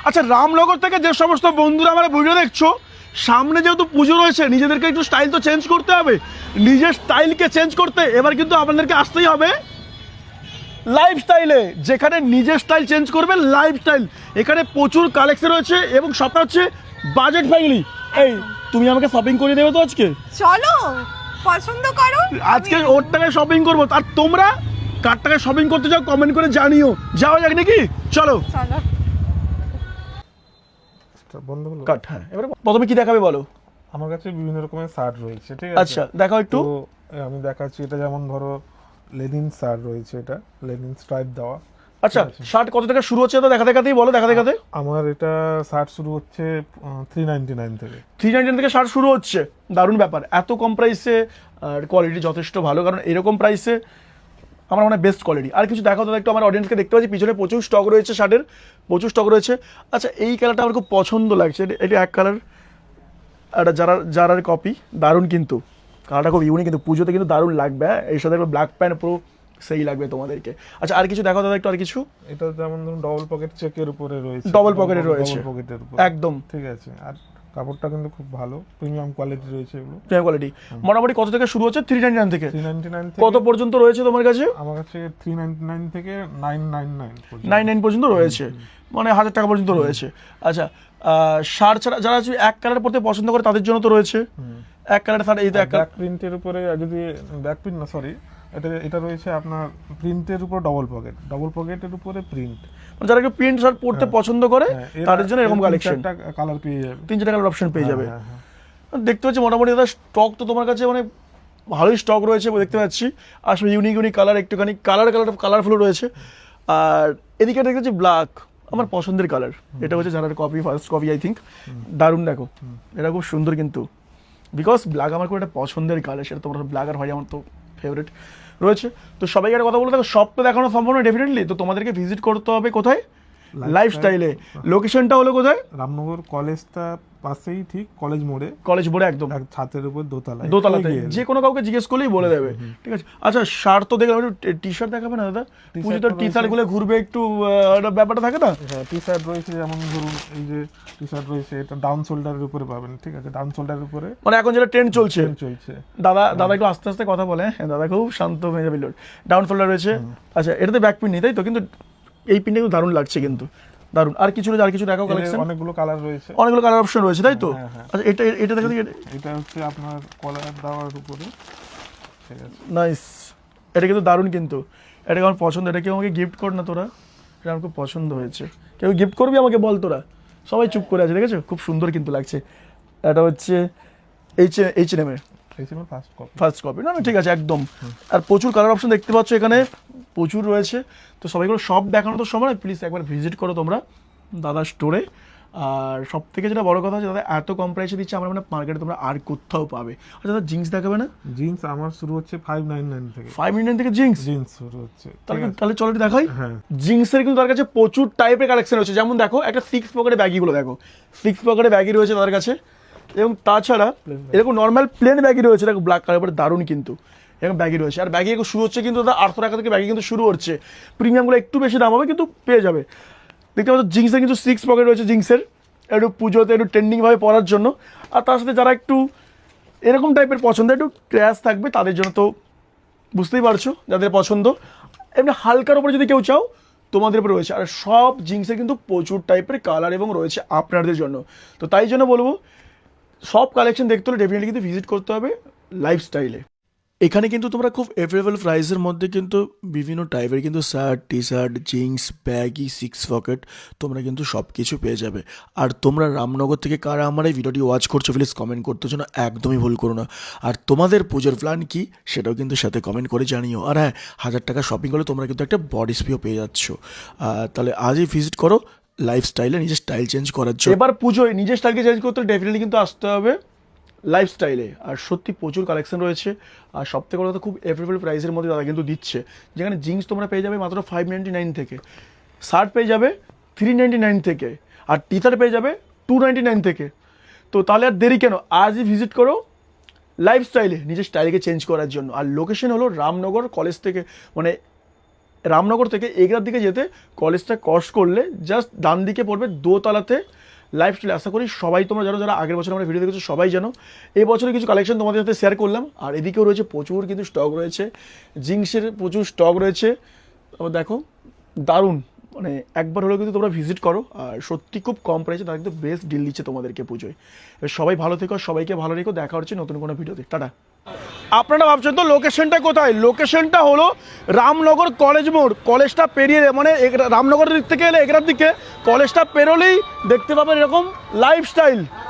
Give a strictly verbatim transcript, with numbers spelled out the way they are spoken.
আচ্ছা, রামনগর থেকে যে সমস্ত বন্ধুরা আমার ভিডিও দেখছো, সামনে যেহেতু পুজো রয়েছে, নিজেদেরকে একটু স্টাইল তো চেঞ্জ করতে হবে। নিজের স্টাইলকে চেঞ্জ করতে এবার কিন্তু আপনাদেরকে আসতেই হবে লাইফস্টাইলে, যেখানে নিজের স্টাইল চেঞ্জ করবে লাইফস্টাইল। এখানে প্রচুর কালেকশন রয়েছে এবং সবটা হচ্ছে বাজেট ফ্রেন্ডলি। এই তুমি আমাকে শপিং করে দেবে তো আজকে? চলো পছন্দ করো, আজকে ওর টাকায় শপিং করবো। আর তোমরা কার টাকায় শপিং করতে চাও কমেন্ট করে জানিও। যাওয়া যাক নাকি? চলো চলো। বন্ধ হলো কাট। হ্যাঁ, এবারে প্রথমে কি দেখাবে বলো? আমার কাছে বিভিন্ন রকমের শার্ট রয়েছে, ঠিক আছে? আচ্ছা, দেখাও একটু। তো আমি দেখাচ্ছি, এটা যেমন ধরো লেনিন শার্ট রয়েছে, এটা লেনিন স্ট্রাইপ দেওয়া। আচ্ছা, শার্ট কত টাকা শুরু হচ্ছে? তো দেখা দেখাতেই বলো, দেখা দেখাতে। আমার এটা শার্ট শুরু হচ্ছে থ্রি নাইনটি নাইন থেকে। থ্রি নাইনটি থেকে শার্ট শুরু হচ্ছে। দারুণ ব্যাপার, এত কম প্রাইসে আর কোয়ালিটি যথেষ্ট ভালো, কারণ এরকম প্রাইসে আমার মনে হয় বেস্ট কোয়ালিটি। আর কিছু দেখাও দাদা একটু, আমার অডিয়েন্সকে দেখতে পাচ্ছি পিছনে প্রচুর স্টক রয়েছে, শার্টের প্রচুর স্টক রয়েছে। আচ্ছা, এই কালারটা আমার খুব পছন্দ লাগছে, এটা এক কালার, একটা যারা যারার কপি, দারুণ কিন্তু কালারটা খুব ইউনিক, কিন্তু পুজোতে কিন্তু দারুণ লাগবে। হ্যাঁ, এর সাথে ব্ল্যাক প্যান্ট পুরো সেই লাগবে তোমাদেরকে। আচ্ছা, আর কিছু দেখাও দাদা একটু, আর কিছু। এটা যেমন ধরুন ডবল পকেট চেকের উপরে রয়েছে, ডবল পকেটে রয়েছে, ডবল পকেটের উপরে একদম ঠিক আছে। আর কাপড়টা কিন্তু খুব ভালো, প্রিমিয়াম কোয়ালিটি রয়েছে এগুলো। Premium quality. মোটামুটি কত থেকে শুরু হচ্ছে? থ্রি নাইনটি নাইন থেকে থ্রি নাইনটি নাইন কত পর্যন্ত রয়েছে তোমার কাছে? আমার কাছে থ্রি নাইনটি নাইন থেকে nine nine nine nine nine পর্যন্ত রয়েছে, মানে হাজার টাকা পর্যন্ত রয়েছে। আচ্ছা, শার্ট ছাড়া যারা এক কালার পরতে পছন্দ করে তাদের জন্য তো রয়েছে এক কালার শার্ট। এই তো এক ব্যাক প্রিন্টের উপরে, যদি ব্যাক প্রিন্ট না সরি এটা এটা রয়েছে আপনার প্রিন্টের উপর ডবল পকেট, ডবল পকেটের উপরে প্রিন্ট। যারা একটু প্রিন্ট শার্ট পরতে পছন্দ করে তাদের জন্য এরকম কালেকশন, কালার পেয়ে যাবে, তিন চারটা কালার অপশন পেয়ে যাবে। হ্যাঁ, হ্যাঁ। দেখতে পাচ্ছি মোটামুটি দাদা স্টক তো তোমার কাছে মানে ভালোই স্টক রয়েছে দেখতে পাচ্ছি। আসলে ইউনিক ইউনিক কালার, একটুখানি কালার কালার কালারফুল রয়েছে। আর এদিকে দেখতে পাচ্ছি ব্ল্যাক, আমার পছন্দের কালার। এটা হচ্ছে যারা copy, first copy I think. দারুণ, দেখো এটা খুব সুন্দর কিন্তু, বিকজ ব্ল্যাক আমার খুব একটা পছন্দের কালার, সেটা তোমার ব্ল্যাক আর হোয়াইট আমার তো ফেভারিট রয়েছে। তো সবাইকে একটা কথা বলে দেখো, সব তো দেখানো সম্ভব নয় ডেফিনেটলি, তো তোমাদেরকে ভিজিট করতে হবে কোথায়? লাইফস্টাইলে। লোকেশনটা হলো কোথায়? রামনগর কলেজটা পাশেই, ঠিক কলেজ মোড়ে, কলেজ মোড়ে একদম ছাদের উপর দোতলায়, দোতলাতে যে কোনো কাউকে জিজ্ঞেস করলেই বলে দেবে, ঠিক আছে? আচ্ছা, শার্ট তো দেখলাম, একটু টি শার্ট দেখাবে না দাদা? পুজো তো টি শার্ট গুলো ঘুরবে একটু, ব্যাপারটা থাকে না? হ্যাঁ, টি শার্ট রয়েছে, যেমন ধরুন এই যে টি শার্ট রয়েছে, এটা ডাউন শোল্ডারের উপরে পাবেন, ঠিক আছে? ডাউন শোল্ডারের উপরে, মানে এখন যেটা ট্রেন্ড চলছে চলছে। দাদা দাদা একটু আস্তে আস্তে কথা বলে, হ্যাঁ দাদা খুব শান্ত হয়ে যাবে। ডাউন শোল্ডার রয়েছে। আচ্ছা, এটাতে ব্যাক প্রিন্ট নেই তাই তো? কিন্তু এই প্রিন্টটা কিন্তু দারুণ লাগছে কিন্তু, দারুণ। আর কিছু আর কিছু দেখাও কালেকশন। অনেকগুলো কালার রয়েছে, অনেকগুলো কালার অপশন রয়েছে তাই তো? হ্যাঁ, হ্যাঁ। আচ্ছা, এটা এটা দেখো, এটা হচ্ছে আপনার কলার দেওয়ার উপরে, ঠিক আছে? নাইস, এটা কিন্তু দারুণ কিন্তু, এটা আমার পছন্দ। এটা কেউ আমাকে গিফট কর না তোরা, এটা আমার খুব পছন্দ হয়েছে। কেউ গিফট করবি আমাকে বল তোরা? সবাই চুপ করে আছে, দেখেছো? খুব সুন্দর কিন্তু লাগছে। এটা হচ্ছে এইচ এইচ এম এর ফার্স্ট কপি, ফার্স্ট কপি। না না, ঠিক আছে একদম। আর প্রচুর কালার অপশন দেখতে পাচ্ছ এখানে, প্রচুর রয়েছে। তো সবাইগুলো সব দেখানো তো সময়, প্লিজ একবার ভিজিট করো তোমরা দাদা স্টোরে। আর সব থেকে যেটা বড় কথা হচ্ছে দাদা এত কম প্রাইসে দিচ্ছে, আমার মানে মার্কেটে তোমরা আর কোথাও পাবে। আচ্ছা দাদা, জিন্স দেখাবে না? জিন্স আমার শুরু হচ্ছে ফাইভ নাইন নাইন থেকে, ফাইভ নাইন থেকে জিন্স জিন্স শুরু হচ্ছে। তাহলে তাহলে চলো দেখাই। হ্যাঁ, জিন্সের কিন্তু তার কাছে প্রচুর টাইপের কালেকশন রয়েছে। যেমন দেখো, একটা সিক্স পকেটে ব্যাগিগুলো দেখো, সিক্স পকেটে ব্যাগি রয়েছে তার কাছে। এবং তাছাড়া এরকম নর্মাল প্লেন ব্যাগি রয়েছে, দেখো ব্ল্যাক কালার, দারুণ কিন্তু এরকম ব্যাগি রয়েছে। আর ব্যাগি শুরু হচ্ছে কিন্তু দাদা আটশো টাকা থেকে ব্যাগি কিন্তু শুরু হচ্ছে। প্রিমিয়ামগুলো একটু বেশি দাম হবে কিন্তু পেয়ে যাবে। দেখতে পাচ্ছ জিন্সের কিন্তু সিক্স পকেট রয়েছে, জিন্সের একটু পুজোতে একটু ট্রেন্ডিংভাবে পরার জন্য। আর তার সাথে যারা একটু এরকম টাইপের পছন্দ, একটু ক্র্যাশ থাকবে তাদের জন্য তো বুঝতেই পারছো যাদের পছন্দ। এমনি হালকার উপরে যদি কেউ চাও তোমাদের উপরে রয়েছে। আর সব জিন্সের কিন্তু প্রচুর টাইপের কালার এবং রয়েছে আপনাদের জন্য। তো তাই জন্য বলবো, সব কালেকশন দেখতে হলে ডেফিনেটলি কিন্তু ভিজিট করতে হবে লাইফস্টাইলে। এখানে কিন্তু তোমরা খুব এফোর্ডেবল প্রাইসের মধ্যে কিন্তু বিভিন্ন টাইপের কিন্তু shirt, T shirt, jeans, baggy, six pocket তোমরা কিন্তু সব কিছু পেয়ে যাবে। আর তোমরা রামনগর থেকে কারা আমার এই ভিডিওটি ওয়াচ করছো, প্লিজ কমেন্ট করতে জন্য একদমই ভুল করো না। আর তোমাদের পুজোর প্ল্যান কি সেটাও কিন্তু সাথে কমেন্ট করে জানিও। আর হ্যাঁ, হাজার টাকা শপিং করলে তোমরা কিন্তু একটা বডি স্প্রেও পেয়ে যাচ্ছ। তাহলে আজই ভিজিট করো লাইফস্টাইলে নিজের স্টাইল চেঞ্জ করার জন্য। এবার পুজোয় নিজের স্টাইলকে চেঞ্জ করতে ডেফিনেটলি কিন্তু আসতে হবে লাইফস্টাইলে। আর সত্যি প্রচুর কালেকশন রয়েছে। আর সব থেকে বড় কথা, খুব এফোর্ডেবল প্রাইসের মধ্যে তারা কিন্তু দিচ্ছে। যেখানে জিন্স তোমরা পেয়ে যাবে মাত্র ফাইভ নাইনটি নাইন থেকে, শার্ট পেয়ে যাবে থ্রি নাইনটি নাইন থেকে, আর টি শার্ট পেয়ে যাবে টু নাইনটি নাইন থেকে। তো তাহলে আর দেরি কেন, আজই ভিজিট করো লাইফস্টাইলে নিজের স্টাইলকে চেঞ্জ করার জন্য। আর লোকেশন হলো রামনগর কলেজ থেকে, মানে রামনগর থেকে এগরার দিকে যেতে কলেজটা ক্রস করলে জাস্ট ডান দিকে পড়বে দোতলাতে লাইফস্টাইল। আশা করি সবাই তোমরা জানো, যারা আগের বছর আমরা ভিডিও দেখেছো সবাই জানো। এই বছরে কিছু কালেকশন তোমাদের সাথে শেয়ার করলাম। আর এদিকেও রয়েছে প্রচুর কিন্তু স্টক রয়েছে, জিন্সের প্রচুর স্টক রয়েছে। তারপর দেখো দারুণ, মানে একবার হলেও কিন্তু তোমরা ভিজিট করো। আর সত্যি খুব কম প্রাইসে তারা কিন্তু বেস্ট ডিল দিচ্ছে তোমাদেরকে পুজোয়। এবার সবাই ভালো থেকো, সবাইকে ভালো রেখো, দেখা হচ্ছে নতুন কোনো ভিডিওতে। টাটা। আপনারা ভাবছেন তো লোকেশনটা কোথায়? লোকেশনটা হলো রামনগর কলেজ মোড়। কলেজটা পেরিয়ে মানে এগ- রামনগরের দিক থেকে এলে এগরার দিকে কলেজটা পেরোলেই দেখতে পাবেন এরকম লাইফস্টাইল।